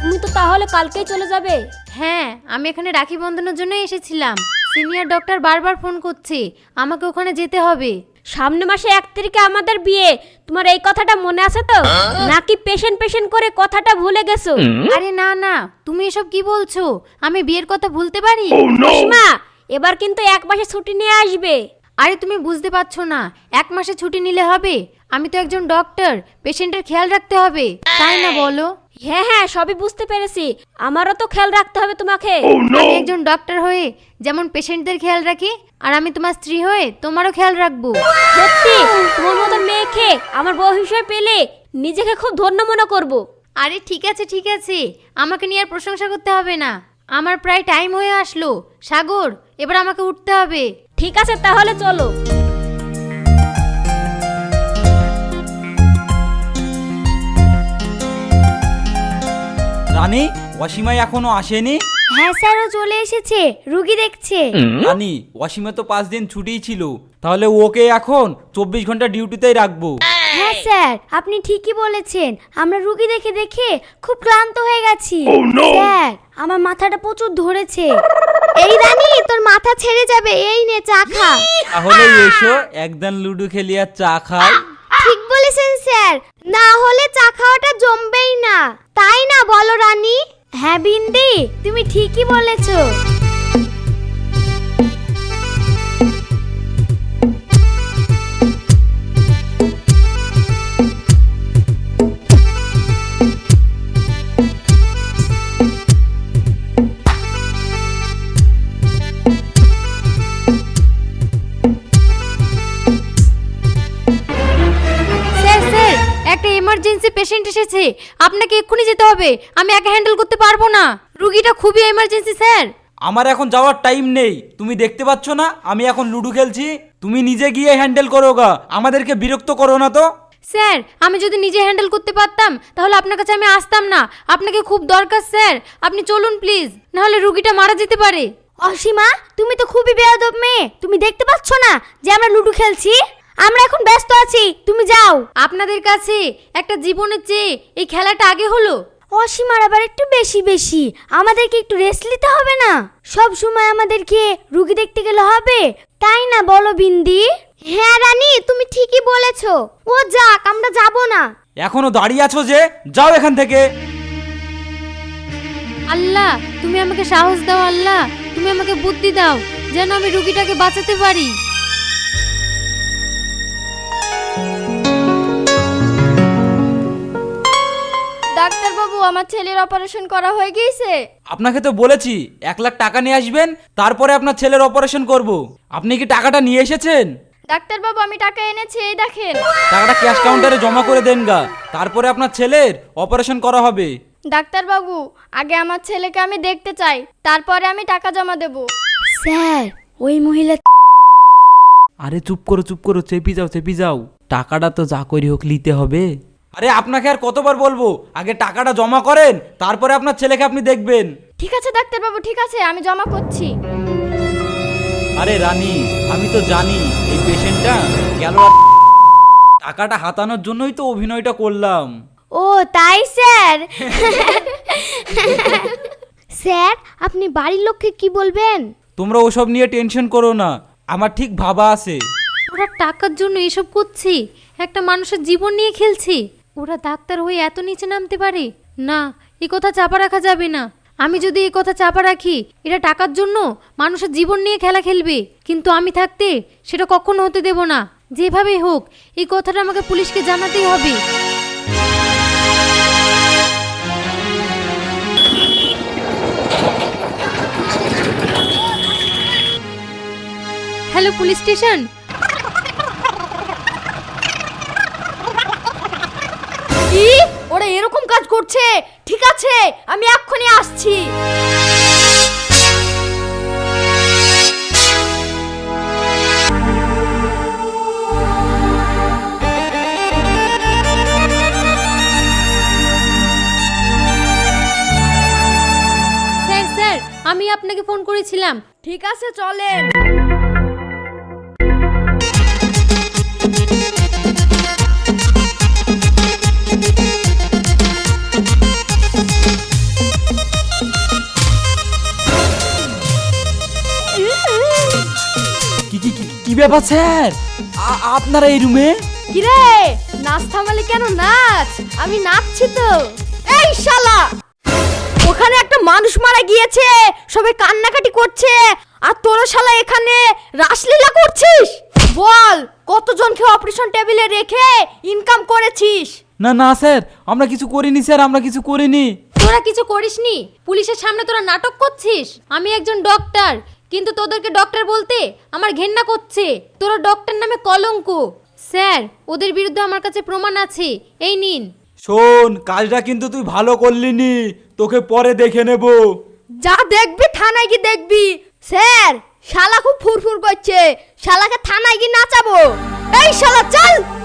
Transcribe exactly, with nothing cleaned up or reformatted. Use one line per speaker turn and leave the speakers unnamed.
তুমি তো তাহলে কালকেই চলে যাবে?
হ্যাঁ, আমি এখানে রাখি বন্ধনের জন্যই এসেছিলাম। সিনিয়র ডক্টর বারবার ফোন করছে, আমাকে ওখানে যেতে হবে।
সামনে মাসে এক তারিখে আমাদের বিয়ে, তোমার এই কথাটা মনে আছে তো? নাকি পেশেন্ট পেশেন্ট করে কথাটা ভুলে গেছো?
আরে না না, তুমি এসব কি বলছো? আমি বিয়ের কথা ভুলতে পারি?
অসীমা, এবার কিন্তু এক মাসে ছুটি নিয়ে আসবে।
আরে তুমি বুঝতে পারছো না, এক মাসে ছুটি নিলে হবে? আমি তো একজন ডক্টর, পেশেন্টের খেয়াল রাখতে হবে, তাই না বলো?
হ্যাঁ হ্যাঁ, সবই বুঝতে পেরেছি, আমারও তো খেয়াল রাখতে হবে তোমাকে।
আমি একজন ডক্টর হয়ে যেমন পেশেন্টদের খেয়াল রাখি, আর আমি তোমার স্ত্রী হয়ে তোমারও খেয়াল রাখবো।
সত্যি, তোমার মতো মেয়েকে আমার বউ হিসেবে পেলে নিজেকে খুব ধন্য মনে করব।
আরে ঠিক আছে ঠিক আছে, আমাকে নিয়ে আর প্রশংসা করতে হবে না। আমার প্রায় টাইম হয়ে আসলো। সাগর, এবার আমাকে উঠতে হবে।
ঠিক আছে, তাহলে চলো।
রানী, অসীমাই এখনো আসেনি?
হ্যাঁ স্যার, ও চলে এসেছে, রুগী দেখছে।
রানী, অসীমা তো পাঁচ দিন ছুটিই ছিল, তাহলে ওকে এখন চব্বিশ ঘন্টা ডিউটিতেই রাখবো।
হ্যাঁ স্যার, আপনি ঠিকই বলেছেন, আমরা রুগী দেখে দেখে খুব ক্লান্ত হয়ে গেছি। স্যার, আমার মাথাটা প্রচুর ধরেছে। এই রানী, তোর মাথা ছেড়ে যাবে, এই নে চা খা।
তাহলে এসো একদিন লুডো খেলি আর চা খাই।
ঠিক বলেছেন স্যার, না হলে চা খাওয়াটা জমবেই না, তাই না বলো রানী? হ্যাঁ বিন্দি, তুমি ঠিকই বলেছো। একটা এমার্জেন্সি পেশেন্ট এসেছে, আপনাকে এক্ষুনি যেতে হবে, আমি একা হ্যান্ডেল করতে পারবো না, রুগীটা খুবই এমার্জেন্সি স্যার।
আমার এখন যাওয়ার টাইম নেই, তুমি দেখতে পাচ্ছ না আমি এখন লুডো খেলছি? তুমি নিজে গিয়ে হ্যান্ডেল করো গা, আমাদেরকে বিরক্ত করো না তো।
স্যার, আমি যদি নিজে হ্যান্ডেল করতে পারতাম তাহলে আপনার কাছে আমি আসতাম না, আপনাকে খুব দরকার স্যার, আপনি চলুন প্লিজ, না হলে রুগীটা মারা যেতে পারে। অসীমা, তুমি তো খুবই বেয়াদব মেয়ে, তুমি দেখতে পাচ্ছ না যে আমরা লুডো খেলছি? আমরা এখন ব্যস্ত আছি, তুমি যাও। আপনাদের কাছে একটা জীবনের চেয়ে এই খেলাটা আগে হলো। অসীমার আবার একটু বেশি বেশি, আমাদেরকে একটু রেস্ট নিতে হবে না? সব সময় আমাদেরকে রুগী দেখতে গেলে হবে, তাই না বলো বিন্দি? হ্যাঁ রানী, তুমি ঠিকই বলেছো, ও যাক, আমরা যাব না।
এখনো দাঁড়িয়ে আছো যে, যাও এখান থেকে।
আল্লাহ, তুমি আমাকে সাহস দাও, আল্লাহ তুমি আমাকে বুদ্ধি দাও, যেন আমি রুগীটাকে বাঁচাতে পারি।
ডাক্তার বাবু, আমার ছেলের অপারেশন করা হয়ে গিয়েছে।
আপনাকে তো বলেছি এক লাখ টাকা নিয়ে আসবেন, তারপরে আপনার ছেলের অপারেশন করব। আপনি কি টাকাটা নিয়ে এসেছেন?
ডাক্তার বাবু, আমি টাকা এনেছি, এই দেখেন।
টাকাটা ক্যাশ কাউন্টারে জমা করে দেন গা, তারপরে আপনার ছেলের অপারেশন করা হবে।
ডাক্তার বাবু, আগে আমার ছেলেকে আমি দেখতে চাই, তারপরে আমি টাকা জমা দেব।
স্যার, ওই মহিলা।
আরে চুপ করো চুপ করো, চেপি যাও চেপি যাও, টাকাটা তো যা করি হোক নিতে হবে। আরে আপনাকে আর কতবার বলবো, আগে টাকাটা জমা করেন, তারপরে আপনার ছেলেকে আপনি দেখবেন।
ঠিক আছে ডাক্তার বাবু, ঠিক আছে, আমি জমা করছি।
আরে রানী, আমি তো জানি এই পেশেন্টটা গেল, টাকাটা হাতানোর জন্যই তো অভিনয়টা করলাম।
ও তাই স্যার। স্যার, আপনি বাড়ির লোককে কি বলবেন?
তোমরা ওসব নিয়ে টেনশন করো না, আমার ঠিক ভাবা আছে।
ওরা টাকার জন্য এসব করছে, একটা মানুষের জীবন নিয়ে খেলছে, ওরা ডাক্তার হয়ে এত নিচে নামতে পারে না, এই কথা চাপা রাখা যাবে না। আমি যদি এই কথা চাপা রাখি, এটা টাকার জন্য মানুষের জীবন নিয়ে খেলা খেলবে, কিন্তু আমি থাকতে সেটা কখনো হতে দেব না। যেভাবেই হোক এই কথাটা আমাকে পুলিশকে জানাতেই হবে। Hello police station.
কি, ওরা এরকম কাজ করছে? ঠিক আছে, আমি এক্ষুনি আসছি।
স্যার স্যার, আমি আপনাকে ফোন করেছিলাম।
ঠিক আছে, চলেন।
ব্যাপার স্যার, আ- আপনারা এই রুমে?
কিরে নাচ থামালি কেন? নাচ, আমি নাচছি তো। এই শালা, ওখানে একটা মানুষ মারা গিয়েছে, সবাই কান্নাকাটি করছে, আর তোরা শালা এখানে রাসলীলা করছিস। বল কতজনকে অপারেশন টেবিলে রেখে ইনকাম করেছিস?
না না স্যার, আমরা কিছু করিনি স্যার, আমরা কিছু করিনি।
তোরা কিছু করিসনি? পুলিশের সামনে তোরা নাটক করছিস। আমি একজন ডক্টর, কিন্তু তোদেরকে ডক্টর বলতে আমার ঘেন্না করছে। তোরা ডক্টর নামে কলঙ্ক। স্যার, ওদের বিরুদ্ধে আমার কাছে প্রমাণ আছে, এই নিন।
শোন, কাজটা কিন্তু তুই ভালো করলি নি, তোকে পরে দেখে নেব।
যা দেখবি থানায় গিয়ে দেখবি। স্যার, শালা খুব ফুরফুর করছে, শালাকে থানায় গিয়ে নাচাবো। এই শালা চল।